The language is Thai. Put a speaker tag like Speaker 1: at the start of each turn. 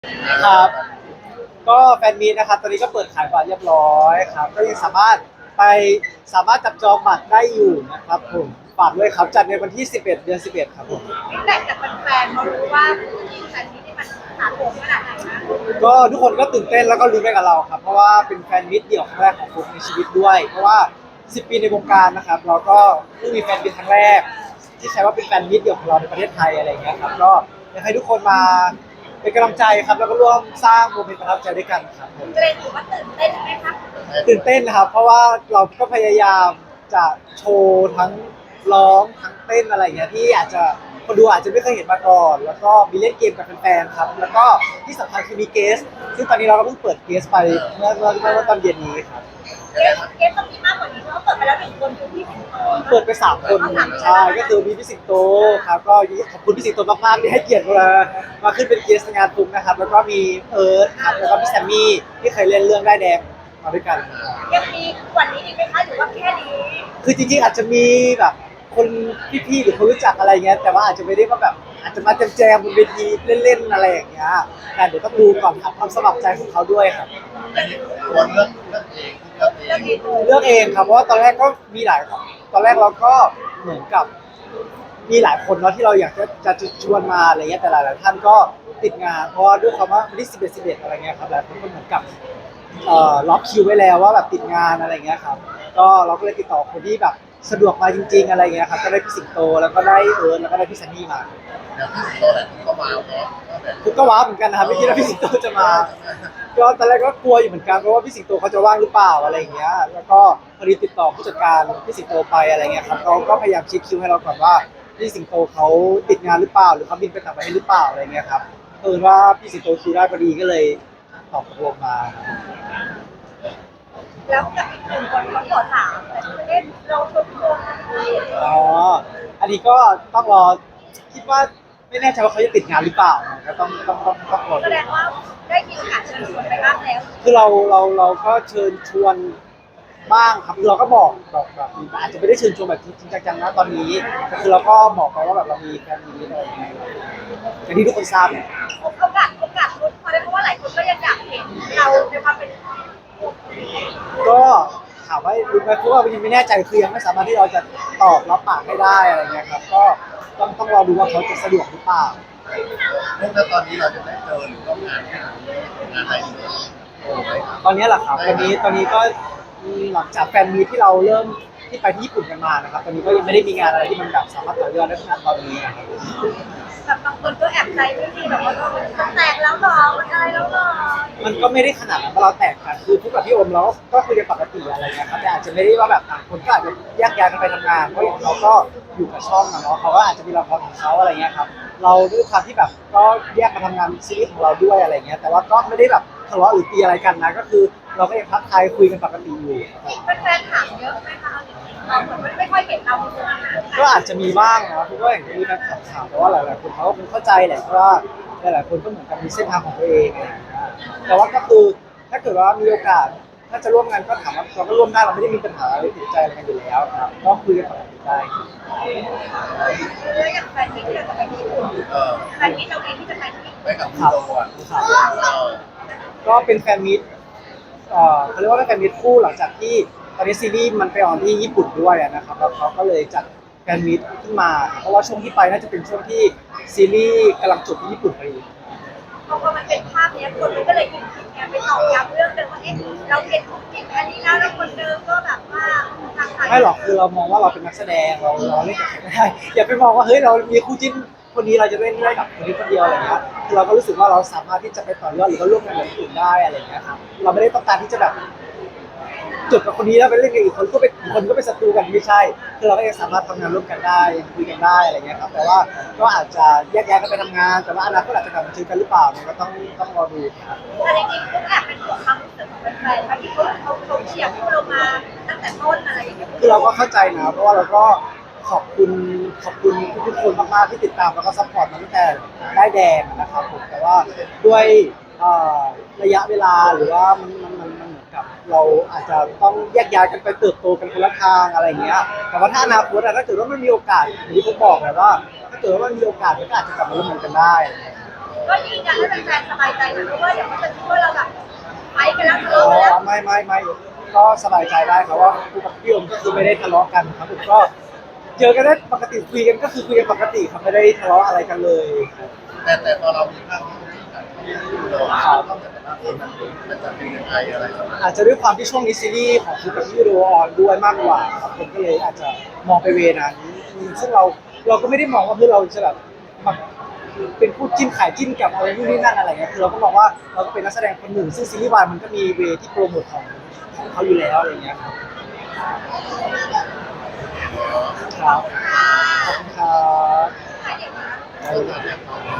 Speaker 1: ครับก็แฟนมีตนะครับตอนนี้ก็เปิดขายบัตรเรียบร้อยครับก็ยังไปสามารถจับจองบัตรได้อยู่นะครับผมฝากด้วยครับจัดในวันที่11เดือน11ครับผม
Speaker 2: ฟีดแบ็กจากแฟนๆเขารู้ว่าแฟนนี้นี่มันถาโถมขนาดไหนนะ
Speaker 1: ก็ทุกคนก็ตื่นเต้นแล้วก็ลุ้นไปกับเราครับเพราะว่าเป็นแฟนมิตรเดี่ยวครั้งแรกของผมในชีวิตด้วยเพราะว่า10ปีในวงการนะครับเราก็เพิ่งมีแฟนมิตรครั้งแรกที่ใช้ว่าเป็นแฟนมิตรเดี่ยวของเราในประเทศไทยอะไรอย่างเงี้ยครับก็อยากให้ทุกคนมาเป็นกำลังใจครับแล้วก็ร่วมสร้างโมเมนต์ประทับใจด้วยกันครับผม
Speaker 2: เกรงหรือว่าตื่นเต้นไหมคะ
Speaker 1: ตื่นเต้นนะครับเพราะว่าเราก็พยายามจะโชว์ทั้งร้องทั้งเต้นอะไรอย่างเงี้ยที่อาจจะคนดูอาจจะไม่เคยเห็นมาก่อนแล้วก็มีเล่นเกมกับแฟนๆครับแล้วก็ที่สำคัญคือมีเกสซึ่งตอนนี้เราก็เพิ่งเปิดเกสไปเมื่อตอนเย็นนี้ครับ
Speaker 2: เกมต้องมีมากกว่านี้เพราะเปิดไปแล้วหนึ่งคนคือพี่สิงโต
Speaker 1: เปิดไป3 คนใช่ก็คือมีพี่สิงโตครับก็ขอบคุณพี่สิงโตมากๆที่ให้เกียรติมาขึ้นเป็นเกสในงานตุ้มนะครับแล้วก็มีเอิร์ธครับแล้วก็พี่แซมมี่ที่เคยเล่นเรื่องได้ายแดงมาด้วยกัน
Speaker 2: ยังมีกว่านี้อีกไหมคะหรือว่าแค่นี้
Speaker 1: คือจริงๆอาจจะมีแบบคนพี่ๆหรือคนรู้จักอะไรเงี้ยแต่ว่าอาจจะไม่ได้ว่าแบบอาจจะมาแจมๆบนเวทีเล่นๆอะไรอย่างเงี้ยแต่เดี๋ยวต้องดูก่อนครับความสมัครใจของเขาด้วยครับ
Speaker 3: อันนี้ควรเลือกเอง
Speaker 1: เลือกเองครับเพราะว่าตอนแรกก็มีหลายตอนแรกเราก็เหมือนกับมีหลายคนเนาะที่เราอยากจะชวนมาอะไรเงี้ยแต่หลายๆท่านก็ติดงานเพราะว่าด้วยคำว่าวันที่11อะไรเงี้ยครับหลายคนก็เหมือนกับล็อกคิวไว้แล้วว่าแบบติดงานอะไรเงี้ยครับก็เราก็เลยติดต่อคนที่แบบสะดวกมาจริงๆอะไรเงี้ยครับก็ได้พี่สิงโตแล้วก็ได้เอิร์ธแล้วก็ได้พี่ซันนี่มา
Speaker 3: อย่างที่สิงโตแหละก็มาเพราะแบบ
Speaker 1: คือก็ว้าวเหมือนกันนะครับไม่คิดว่าพี่สิงโตจะมาก็ตอนแรกก็กลัวอยู่เหมือนกันเพราะว่าพี่สิงโตเขาจะว่างหรือเปล่าอะไรอย่างเงี้ยแล้วก็พอดีติดต่อผู้จัดการพี่สิงโตไปอะไรเงี้ยครับเขาก็พยายามเช็คคิวให้เราก่อนว่าพี่สิงโตเขาติดงานหรือเปล่าหรือเขาบินไปต่างประเทศหรือเปล่าอะไรเงี้ยครับว่าพี่สิงโตคิวได้พอดีก็เลยตอบตกลงมา
Speaker 2: แล้วกับอีกหนึ่งคนเขาขอถามแต่ไม่ได้เราชมรม
Speaker 1: อ๋ออันนี้ก็ต้องรอคิดว่าไม่แน่ใจว่าเขาจะติดงานหรือเปล่าก็ต้องรอ
Speaker 2: แส
Speaker 1: ดู
Speaker 2: ดงว่าได้มีโอกาสเชิญชวนไปบ้างแล้ว
Speaker 1: คือเราก็เชิญชวนบ้างครับคือเราก็บอกแบบอาจจะไม่ได้เชิญชวนแบบจริงๆจังๆนะตอนนี้แต่คือเราก็บอกไปว่าแบบเรามีแฟนมีอะไรอย่างเงี้ยอย่างที่ทุกคนทราบเนี่ย
Speaker 2: โอกาสลุ้นพอได้เพราะว่าหลายคนก็ยังอยากเห็นเราในความเป็น
Speaker 1: ก็ถามว่ารู้ไหมเพราะว่ายังไม่แน่ใจคือยังไม่สามารถที่เราจะตอบรับปากให้ได้อะไรเงี้ยครับก็ต้องรอดูว่าเขาจะสะดวกหรือเปล่า
Speaker 3: แล้วตอนนี้เราจะได้เจอหรือร่วมงานอะไรอีก
Speaker 1: ตอนนี้แหละครับตอนนี้ก็หลังจากแฟนมีตที่เราเริ่มที่ไปที่ญี่ปุ่นกันมานะครับตอนนี้ก็ยังไม่ได้มีงานอะไรที่มันแบบสามารถต่อยอดได้ขนาดตอนนี้นะครับ
Speaker 2: แบบบางคนก็แอบใจไม่ดีแบบว่าแตกแล้วหรอมันอะไรแล้วหรอ
Speaker 1: มันก็ไม่ได้ขนาดนั้นเพราะเราแตกกันคือพูดกับพี่โอมเราก็คุยกันปกติอะไรเงี้ยครับแต่อาจจะไม่ได้ว่าแบบต่างคนก็อาจจะแยกย้ายกันไปทำงานเพราะอย่างเขาก็อยู่กับช่องนะเนาะเขาก็อาจจะมีละครของเขาอะไรเงี้ยครับเราด้วยความที่แบบก็แยกมาทำงานซีรีส์ของเราด้วยอะไรเงี้ยแต่ว่าก็ไม่ได้แบบทะเลาะหรือตีอะไรกันนะก็คือเราก็ยังทักทายคุยกันปกติอยู่
Speaker 2: แฟนถามเยอะไหมคะเราเหมือนไม่ค่อยเห็นเราในวงการ
Speaker 1: ก็อาจจะมีบ้างนะเพราะว่าอย่างที่มีการถามแต่ว่าหลายๆคนเขาก็คงเข้าใจแหละเพราะว่าหลายๆคนก็เหมือนกับมีเส้นทางของตัวเองอะไรอย่างเงี้ยแต่ว่าก็คือถ้าเกิดว่ามีโอกาสถ้าจะร่วมงานก็ถามว่าเราก็ร่วมได้เราไม่ได้มีปัญหาอะไรติดใจอะไรกันอยู่แล้วครับก็คุยกันปกติได้
Speaker 2: แล้วอย่างแฟนที่เราจะไปญี่ปุ่นแฟนที่เราเองที่จะไปที่
Speaker 3: ไปกับ
Speaker 1: ครับ
Speaker 3: คุณโดอ่ะ
Speaker 1: ครับก็เป็นแฟนมิตรเขาเรียกว่าเป็นแฟนมิตรคู่หลังจากที่ตอนนี้ซีรีส์มันไปออนที่ญี่ปุ่นด้วยนะครับแล้วเขาก็เลยจัดแฟนมิตรขึ้นมาเพราะว่าช่วงที่ไปน่าจะเป็นช่วงที่ซีรีส์กำลังจบที่ญี่ปุ่นพอดี
Speaker 2: พอมันเป็นภาพนี้คนมันก็เลยยิงคิดไงไปตอกย้ำเรื่องเดิมว่าเอ๊ะเราเห็นของจริงอันนี้แล้วคนเดิมก็แบบว่าทางไทย
Speaker 1: ไม่หรอกคือเรามองว่าเราเป็นนักแสดงเราเล่นกับใครไม่ได้อย่าไปมองว่าเฮ้ยเรามีคู่จิ้นคนนี้เราจะเล่นได้กับคนนี้คนเดียวอะไรเงี้ยคือเราก็รู้สึกว่าเราสามารถที่จะไปต่อยอดหรือว่าร่วมงานกับคนอื่นได้อะไรเงี้ยครับเราไม่ได้ต้องการที่จะแบบจบกับคนนี้แล้วไปเล่นกับอีกคนก็เป็นอีกคนก็เป็นศัตรูกันไม่ใช่คือเราก็ยังสามารถทำงานร่วมกันได้คุยกันได้อะไรเงี้ยครับแต่ว่าก็อาจจะแยกย้ายกันไปทำงานแต่ว่าอนาคตอาจจะกลับมาเจอกันหรือเปล่าเนี่ยก็ต้องรอดูครับ
Speaker 2: แต่จริงๆก็แอบเป็นห่วงความรู้สึกของแฟนๆที่เขาเชียร์พวกเรามาตั้งแต่ต้นอะไรอย่างเงี้ย
Speaker 1: คือเราก็เข้าใจนะเพราะว่าเราก็ขอบคุณทุกๆคนมากๆที่ติดตามแล้วก็ซัพพอร์ตมาตั้งแต่ได้แดงนะครับผมแต่ว่าด้วยเอ่อระยะเวลาหรือว่ามันเหมือนกับเราอาจจะต้องแยกย้ายกันไปเติบโตกันคนละทางอะไรเงี้ยแต่ว่าถ้าอนาคตถ้าเกิดว่ามันมีโอกาสอย่างที่ผมบอกแหละว่าถ้าเกิดว่ามันมีโอกาสมันก็อาจจะกลับมาร่วมงานกันได้
Speaker 2: ก็ยืนยันให้แฟนๆสบายใจนะเพราะว่าเดี๋ยวเขาจะคิดว่าเราแบบไปกันแล้วทะ
Speaker 1: อ๋
Speaker 2: เลาะกันแล้ว
Speaker 1: อไม่ก็สบายใจได้ครับว่าคู่กับพี่โอมก็คือไม่ได้ทะเลาะกันครับผมก็เจอกันได้ปกติคุยกันก็คือคุยกันปกติครับไม่ได้ทะเลาะอะไรกันเลย
Speaker 3: แต่ตอนเรามีภาพที่กันเราต้องจัดภาพที่มันจะเป็นยังไงอะไรประมาณ
Speaker 1: อาจจะด้วยความที่ช่วงนี้ซีรีส์ของคู่กับพี่โดออนด้วยมากกว่าครับผมก็เลยอาจจะมองไปเวนั้นซึ่งเราก็ไม่ได้มองว่าเพื่อเราจะแบบมาเป็นคู่จิ้นขายจิ้นกับอะไรนู่นนี่นั่นอะไรเงี้ยคือเราก็มองว่าเราก็เป็นนักแสดงคนหนึ่งซึ่งซีรีส์วายมันก็มีเวที่โปรโมทของเขาอยู่แล้วอะไรเงี้ยครับครับขอบคุณครับ
Speaker 2: ถ่ายเด็กนะ
Speaker 3: เราจะ